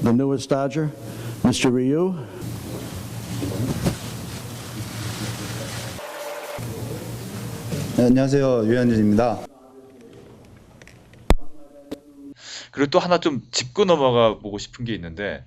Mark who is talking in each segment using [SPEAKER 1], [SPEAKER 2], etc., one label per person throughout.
[SPEAKER 1] the newest Dodger, Mr. Ryu.
[SPEAKER 2] 네, 안녕하세요. 유현진입니다.
[SPEAKER 3] 그리고 또 하나 좀 짚고 넘어가 보고 싶은 게 있는데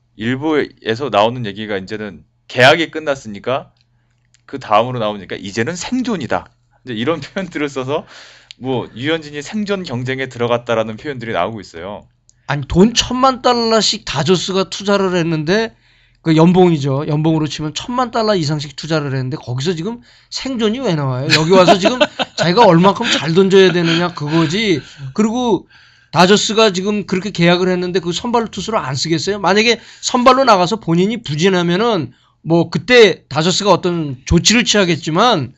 [SPEAKER 3] 일부에서 나오는 얘기가 이제는 계약이 끝났으니까 그 다음으로 나오니까 이제는 생존이다. 이제 이런 표현들을 써서 뭐 유현진이 생존 경쟁에 들어갔다라는 표현들이 나오고 있어요.
[SPEAKER 4] 아니 돈 $10,000,000씩 다저스가 투자를 했는데 그 연봉이죠. 연봉으로 치면 $10,000,000 이상씩 투자를 했는데 거기서 지금 생존이 왜 나와요? 여기 와서 지금 자기가 얼마큼 잘 던져야 되느냐 그거지. 그리고 다저스가 지금 그렇게 계약을 했는데 그 선발 투수를 안 쓰겠어요? 만약에 선발로 나가서 본인이 부진하면은 뭐 그때 다저스가 어떤 조치를 취하겠지만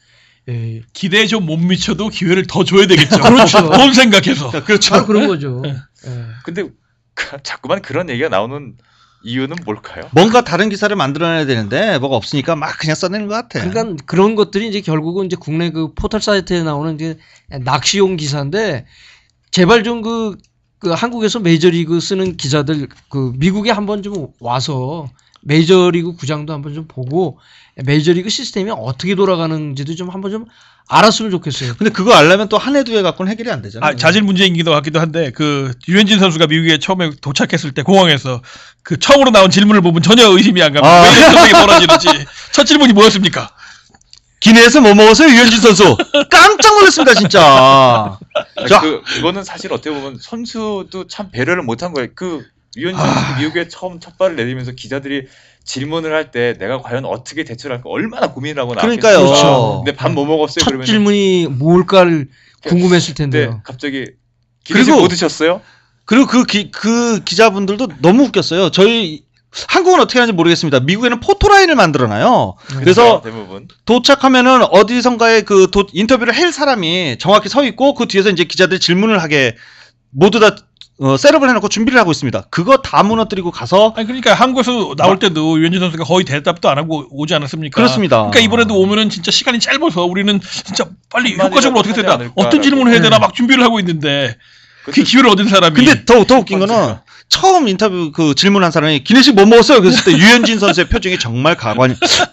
[SPEAKER 5] 기대에 좀 못 미쳐도 기회를 더 줘야 되겠죠.
[SPEAKER 4] 그렇죠.
[SPEAKER 5] 돈 생각해서.
[SPEAKER 4] 그렇죠. 그런 거죠.
[SPEAKER 3] 근데 자꾸만 그런 얘기가 나오는 이유는 뭘까요?
[SPEAKER 6] 뭔가 다른 기사를 만들어내야 되는데 뭐가 없으니까 막 그냥 써내는 것 같아.
[SPEAKER 4] 그러니까 그런 것들이 이제 결국은 이제 국내 그 포털 사이트에 나오는 이제 낚시용 기사인데 제발 좀 그 한국에서 메이저리그 쓰는 기자들 그 미국에 한번 좀 와서 메이저리그 구장도 한번 좀 보고 메이저리그 시스템이 어떻게 돌아가는지도 좀 한번 좀 알았으면 좋겠어요.
[SPEAKER 6] 근데 그거 알려면 또 한 해 두 해 갖고는 해결이 안 되잖아요.
[SPEAKER 5] 자질 문제이기도 같기도 한데 그 유현진 선수가 미국에 처음에 도착했을 때 공항에서 그 처음으로 나온 질문을 보면 전혀 의심이 안 갑니다. 왜 이런 생각이 벌어지는지. 첫 질문이 뭐였습니까?
[SPEAKER 6] 기내에서 뭐 먹었어요, 유현진 선수? 깜짝 놀랐습니다, 진짜. 자,
[SPEAKER 3] 그거는 사실 어떻게 보면 선수도 참 배려를 못한 거예요. 그 유현진 선수 미국에 처음 첫 발을 내디면서 기자들이 질문을 할 때 내가 과연 어떻게 대처를 할까 얼마나 고민을 하고 나왔겠어요.
[SPEAKER 6] 그러니까요.
[SPEAKER 4] 그렇죠.
[SPEAKER 3] 근데 밥 뭐 먹었어요?
[SPEAKER 4] 첫
[SPEAKER 3] 그러면
[SPEAKER 4] 질문이 뭘까를 궁금했을
[SPEAKER 3] 근데
[SPEAKER 4] 텐데요.
[SPEAKER 3] 갑자기 기내식
[SPEAKER 6] 그리고
[SPEAKER 3] 뭐 드셨어요?
[SPEAKER 6] 그리고 그 기자분들도 너무 웃겼어요. 저희 한국은 어떻게 하는지 모르겠습니다. 미국에는 포토라인을 만들어놔요. 그래서
[SPEAKER 3] 대부분
[SPEAKER 6] 도착하면은 어디선가에 그 인터뷰를 할 사람이 정확히 서 있고 그 뒤에서 이제 기자들이 질문을 하게 모두 다 셋업을 해놓고 준비를 하고 있습니다. 그거 다 무너뜨리고 가서
[SPEAKER 5] 아니 그러니까 한국에서 나올 때도 유현진 선수가 거의 대답도 안 하고 오지 않았습니까?
[SPEAKER 6] 그렇습니다.
[SPEAKER 5] 그러니까 이번에도 오면은 진짜 시간이 짧아서 우리는 진짜 빨리
[SPEAKER 3] 한마디라도
[SPEAKER 5] 효과적으로 어떻게
[SPEAKER 3] 하지
[SPEAKER 5] 되나
[SPEAKER 3] 않을까라고.
[SPEAKER 5] 어떤 질문을 해야 되나 막 준비를 하고 있는데 그
[SPEAKER 3] 그것도
[SPEAKER 5] 기회를 얻은 사람이
[SPEAKER 6] 근데 더 웃긴 거는 처음 인터뷰 그 질문한 사람이 기내식 뭐 먹었어요? 그랬을 때 유현진 선수의 표정이 정말 가관이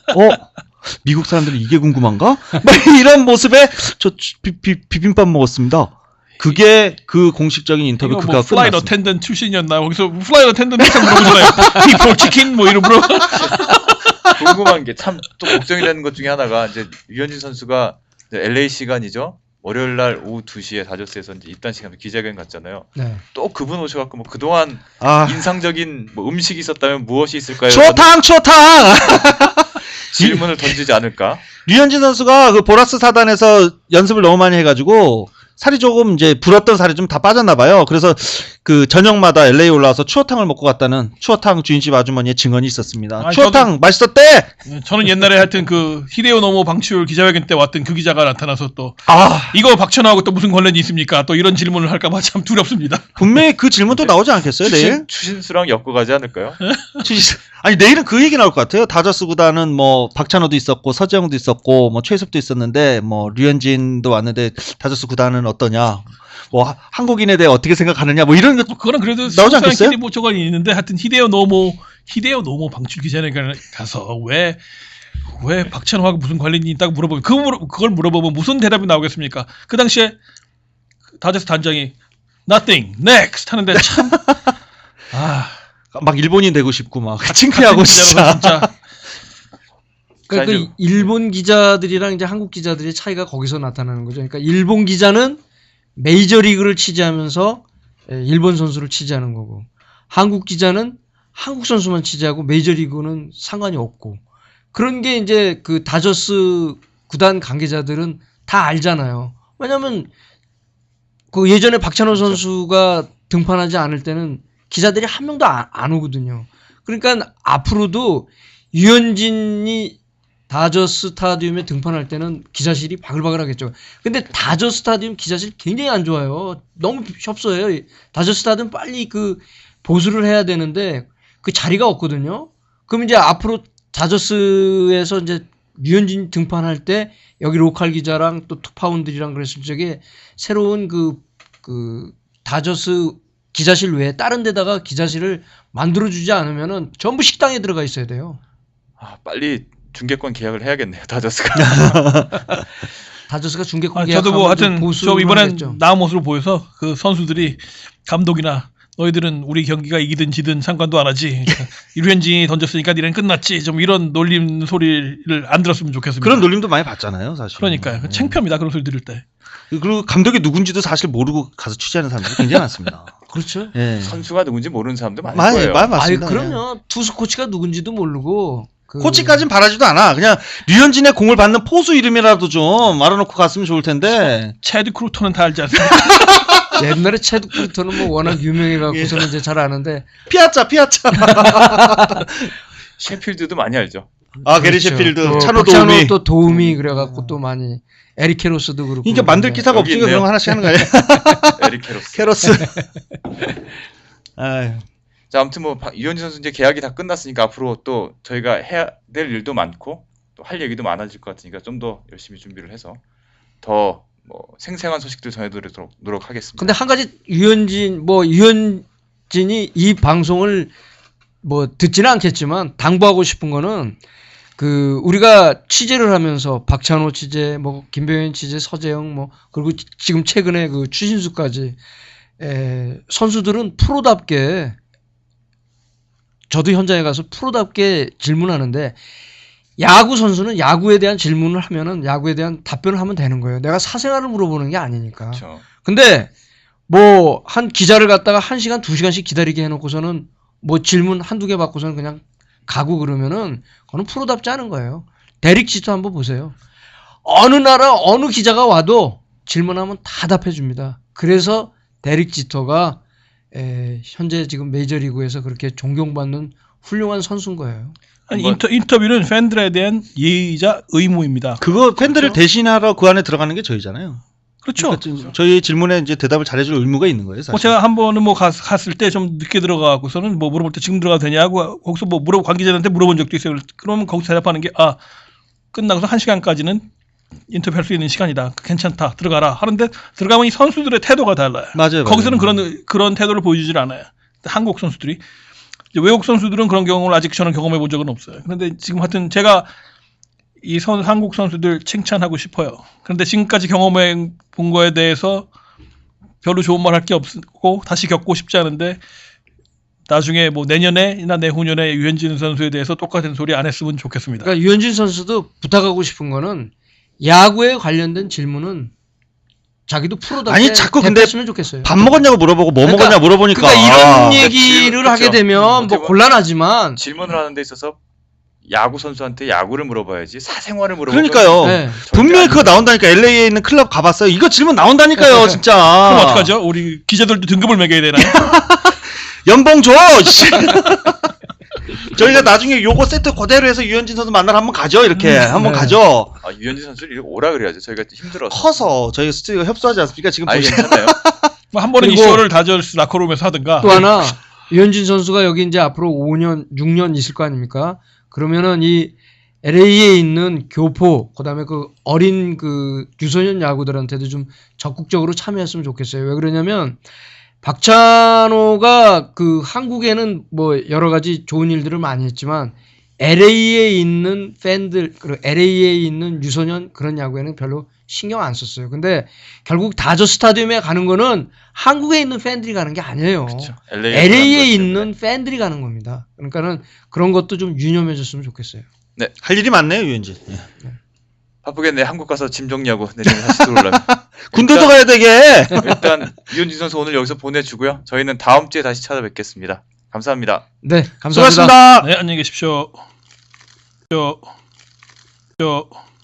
[SPEAKER 6] 미국 사람들이 이게 궁금한가? 막 이런 모습에 저 비빔밥 먹었습니다. 그게 그 공식적인 인터뷰
[SPEAKER 5] 이거
[SPEAKER 6] 그가
[SPEAKER 5] 뭐 플라이
[SPEAKER 6] 끝났습니다.
[SPEAKER 5] 어텐던트 출신이었나? 거기서 플라이 어텐던트 물어보잖아요. 비포 치킨 뭐 이름으로.
[SPEAKER 3] 궁금한 게 참 또 걱정이 되는 것 중에 하나가 이제 유현진 선수가 이제 LA 시간이죠. 월요일 날 오후 2시에 다저스에서 이제 입단 시간에 기자회견 갔잖아요.
[SPEAKER 4] 네.
[SPEAKER 3] 또 그분 오셔갖고 뭐 그동안
[SPEAKER 6] 아,
[SPEAKER 3] 인상적인 뭐 음식이 있었다면 무엇이 있을까요?
[SPEAKER 6] 추어탕!
[SPEAKER 3] 질문을 던지지 않을까?
[SPEAKER 6] 류현진 선수가 그 보라스 사단에서 연습을 너무 많이 해가지고 살이 조금 이제 불었던 살이 좀 다 빠졌나 봐요. 그래서 그 저녁마다 LA 올라와서 추어탕을 먹고 갔다는 추어탕 주인집 아주머니의 증언이 있었습니다.
[SPEAKER 5] 아니,
[SPEAKER 6] 추어탕 맛있었대.
[SPEAKER 5] 저는 옛날에 하여튼 그 히데오 노모 방출 기자회견 때 왔던 그 기자가 나타나서 또
[SPEAKER 6] 아,
[SPEAKER 5] 이거 박찬호하고 또 무슨 관련이 있습니까? 또 이런 질문을 할까봐 참 두렵습니다.
[SPEAKER 6] 분명히 그 질문도 나오지 않겠어요, 내일?
[SPEAKER 3] 추신수랑 엮어가지 않을까요?
[SPEAKER 6] 아니 내일은 그 얘기 나올 것 같아요. 다저스 구단은 뭐 박찬호도 있었고 서재영도 있었고 뭐 최섭도 있었는데 뭐 류현진도 왔는데 다저스 구단은 어떠냐? 뭐 한국인에 대해 어떻게 생각하느냐? 뭐 이런 것
[SPEAKER 5] 그거는 그래도
[SPEAKER 6] 나오지 않겠어요?
[SPEAKER 5] 뭐 저건 있는데 하여튼 히데오 노모 방출 기자회견 가서 왜 박찬호하고 무슨 관련이 있다고 물어보면 그걸 물어보면 무슨 대답이 나오겠습니까? 그 당시에 다저스 단장이 nothing next 하는데 참
[SPEAKER 6] 막 일본인 되고 싶고 막 창피하고
[SPEAKER 5] 기자로서
[SPEAKER 6] 진짜.
[SPEAKER 4] 그러니까
[SPEAKER 3] 자,
[SPEAKER 4] 그 일본 기자들이랑 이제 한국 기자들의 차이가 거기서 나타나는 거죠. 그러니까 일본 기자는 메이저리그를 취재하면서 일본 선수를 취재하는 거고 한국 기자는 한국 선수만 취재하고 메이저리그는 상관이 없고 그런 게 이제 그 다저스 구단 관계자들은 다 알잖아요. 왜냐하면 그 예전에 박찬호 선수가 등판하지 않을 때는 기자들이 한 명도 안 오거든요. 그러니까 앞으로도 유현진이 다저스 스타디움에 등판할 때는 기자실이 바글바글하겠죠. 근데 다저스 스타디움 기자실 굉장히 안 좋아요. 너무 협소해요. 다저스 스타디움 빨리 그 보수를 해야 되는데 그 자리가 없거든요. 그럼 이제 앞으로 다저스에서 이제 유현진 등판할 때 여기 로컬 기자랑 또 투파운드리랑 그랬을 적에 새로운 그 다저스 기자실 외에 다른 데다가 기자실을 만들어주지 않으면은 전부 식당에 들어가 있어야 돼요.
[SPEAKER 3] 아, 빨리 중계권 계약을 해야겠네요. 다저스가.
[SPEAKER 4] 다저스가 중계권
[SPEAKER 5] 아,
[SPEAKER 4] 계약하면
[SPEAKER 5] 저도 뭐 하여튼
[SPEAKER 4] 좀
[SPEAKER 5] 저
[SPEAKER 4] 보수를
[SPEAKER 5] 이번엔
[SPEAKER 4] 하겠죠.
[SPEAKER 5] 나은 모습을 보여서 그 선수들이 감독이나 너희들은 우리 경기가 이기든 지든 상관도 안 하지. 류현진이 던졌으니까 니네는 끝났지. 좀 이런 놀림 소리를 안 들었으면 좋겠습니다.
[SPEAKER 6] 그런 놀림도 많이 받잖아요, 사실.
[SPEAKER 5] 그러니까요. 창피합니다. 그런 소리 들을 때.
[SPEAKER 6] 그리고 감독이 누군지도 사실 모르고 가서 취재하는 사람들이 굉장히 많습니다.
[SPEAKER 4] 그렇죠.
[SPEAKER 6] 예.
[SPEAKER 3] 선수가 누군지 모르는 사람도 많을
[SPEAKER 6] 많이
[SPEAKER 3] 거예요.
[SPEAKER 4] 아니
[SPEAKER 6] 맞습니다.
[SPEAKER 4] 그럼요. 투수 코치가 누군지도 모르고 그
[SPEAKER 6] 코치까진 바라지도 않아. 그냥 류현진의 공을 받는 포수 이름이라도 좀 알아놓고 갔으면 좋을 텐데.
[SPEAKER 5] 체드 크루터는 다 알지 않습니까?
[SPEAKER 4] 옛날에 체드 크루터는 뭐 워낙 유명해갖고서는 이제 잘 아는데
[SPEAKER 6] 피아차.
[SPEAKER 3] 셰필드도 많이 알죠.
[SPEAKER 6] 아, 게리
[SPEAKER 4] 그렇죠.
[SPEAKER 6] 셰필드,
[SPEAKER 4] 또
[SPEAKER 6] 찬호
[SPEAKER 4] 박찬호
[SPEAKER 6] 도우미.
[SPEAKER 4] 또 도움이 그래갖고 또 많이 에릭 캐로스도 그렇고.
[SPEAKER 6] 이게 만들
[SPEAKER 4] 그런데.
[SPEAKER 6] 기사가
[SPEAKER 3] 여기
[SPEAKER 6] 없으니까
[SPEAKER 3] 있네요.
[SPEAKER 6] 그런 거 하나씩 하는 거예요.
[SPEAKER 3] 에릭 캐로스.
[SPEAKER 6] 캐로스. 아유.
[SPEAKER 3] 자, 아무튼 뭐 유현진 선수 이제 계약이 다 끝났으니까 앞으로 또 저희가 해야 될 일도 많고 또 할 얘기도 많아질 것 같으니까 좀 더 열심히 준비를 해서 더 뭐 생생한 소식들 전해드리도록 노력하겠습니다.
[SPEAKER 4] 근데 한 가지 유현진이 이 방송을 뭐 듣지는 않겠지만 당부하고 싶은 거는 그 우리가 취재를 하면서 박찬호 취재, 뭐 김병현 취재, 서재영 뭐 그리고 지금 최근에 그 추신수까지 선수들은 프로답게 저도 현장에 가서 프로답게 질문하는데 야구 선수는 야구에 대한 질문을 하면은 야구에 대한 답변을 하면 되는 거예요. 내가 사생활을 물어보는 게 아니니까.
[SPEAKER 3] 그렇죠.
[SPEAKER 4] 근데 뭐 한 기자를 갖다가 1시간, 2시간씩 기다리게 해놓고서는 뭐 질문 한두 개 받고서는 그냥 가고 그러면은 그거는 프로답지 않은 거예요. 데릭 지터 한번 보세요. 어느 나라 어느 기자가 와도 질문하면 다 답해 줍니다. 그래서 데릭 지터가 현재 지금 메이저리그에서 그렇게 존경받는 훌륭한 선수인 거예요.
[SPEAKER 5] 아니 인터뷰는 팬들에 대한 예의이자 의무입니다.
[SPEAKER 6] 그거 팬들을 대신하러 그 안에 들어가는 게 저희잖아요.
[SPEAKER 5] 그렇죠.
[SPEAKER 6] 그러니까 저희 질문에 이제 대답을 잘해줄 의무가 있는 거예요, 사실.
[SPEAKER 5] 뭐 제가 한 번은 뭐 갔을 때 좀 늦게 들어가고서는 뭐 물어볼 때 지금 들어가도 되냐고 거기서 뭐 관계자한테 물어본 적도 있어요. 그러면 거기서 대답하는 게 끝나고서 1시간까지는 인터뷰할 수 있는 시간이다. 괜찮다. 들어가라. 하는데 들어가면 이 선수들의 태도가 달라요.
[SPEAKER 6] 맞아요.
[SPEAKER 5] 거기서는 그런 태도를 보여주질 않아요. 한국 선수들이. 이제 외국 선수들은 그런 경험을 아직 저는 경험해 본 적은 없어요. 그런데 지금 하여튼 제가 이 한국 선수들 칭찬하고 싶어요. 그런데 지금까지 경험해 본 거에 대해서 별로 좋은 말 할 게 없고 다시 겪고 싶지 않은데 나중에 뭐 내년에나 내후년에 유현진 선수에 대해서 똑같은 소리 안 했으면 좋겠습니다.
[SPEAKER 4] 그러니까 유현진 선수도 부탁하고 싶은 거는 야구에 관련된 질문은 자기도 프로답게
[SPEAKER 6] 아니, 자꾸 근데
[SPEAKER 4] 대했으면 좋겠어요.
[SPEAKER 6] 밥 먹었냐고 물어보고 뭐
[SPEAKER 4] 그러니까-
[SPEAKER 6] 먹었냐 물어보니까.
[SPEAKER 4] 그러니까 이런
[SPEAKER 3] 질-
[SPEAKER 4] 얘기를 하게
[SPEAKER 3] 그렇죠.
[SPEAKER 4] 되면
[SPEAKER 3] 어떻게
[SPEAKER 4] 뭐
[SPEAKER 3] 보면-
[SPEAKER 4] 곤란하지만
[SPEAKER 3] 질문을 하는 데 있어서 야구 선수한테 야구를 물어봐야지 사생활을 물어보면
[SPEAKER 6] 그러니까요.
[SPEAKER 4] 네.
[SPEAKER 6] 분명히 그거 나온다니까. LA에 있는 클럽 가봤어요. 이거 질문 나온다니까요, 진짜.
[SPEAKER 5] 그럼 어떡하죠? 우리 기자들도 등급을 매겨야 되나요?
[SPEAKER 6] 연봉 줘! 씨. 저희가 나중에 요거 세트 그대로 해서 유현진 선수 만나러 한번 가죠, 이렇게. 한번
[SPEAKER 4] 네.
[SPEAKER 6] 가죠.
[SPEAKER 3] 유현진 선수를 오라 그래야죠. 저희가 힘들어서.
[SPEAKER 6] 커서 저희가 스튜디오가 협소하지 않습니까? 지금
[SPEAKER 3] 아니
[SPEAKER 6] 보시면.
[SPEAKER 3] 괜찮아요.
[SPEAKER 5] 뭐 한 번은
[SPEAKER 4] 그리고-
[SPEAKER 5] 이쇼를 다저스 라커룸에서 하든가.
[SPEAKER 4] 또 하나 유현진 선수가 여기 이제 앞으로 5년, 6년 있을 거 아닙니까? 그러면은 이 LA에 있는 교포, 그다음에 그 어린 그 유소년 야구들한테도 좀 적극적으로 참여했으면 좋겠어요. 왜 그러냐면 박찬호가 그 한국에는 뭐 여러 가지 좋은 일들을 많이 했지만 LA에 있는 팬들, 그리고 LA에 있는 유소년 그런 야구에는 별로 신경 안 썼어요. 근데 결국 다저 스타디움에 가는 거는 한국에 있는 팬들이 가는 게 아니에요.
[SPEAKER 3] 그렇죠.
[SPEAKER 4] LA에 있는 팬들이 가는 겁니다. 그러니까는 그런 것도 좀 유념해줬으면 좋겠어요.
[SPEAKER 6] 할 일이 많네요, 유현진. 예.
[SPEAKER 3] 바쁘겠네. 한국 가서 짐 정리하고 내년에 다시 들어오려면.
[SPEAKER 6] 군대도 가야 되게.
[SPEAKER 3] 일단 유현진 선수 오늘 여기서 보내주고요. 저희는 다음 주에 다시 찾아뵙겠습니다. 감사합니다.
[SPEAKER 4] 네, 감사합니다.
[SPEAKER 6] 수고하셨습니다.
[SPEAKER 5] 네, 안녕히 계십시오.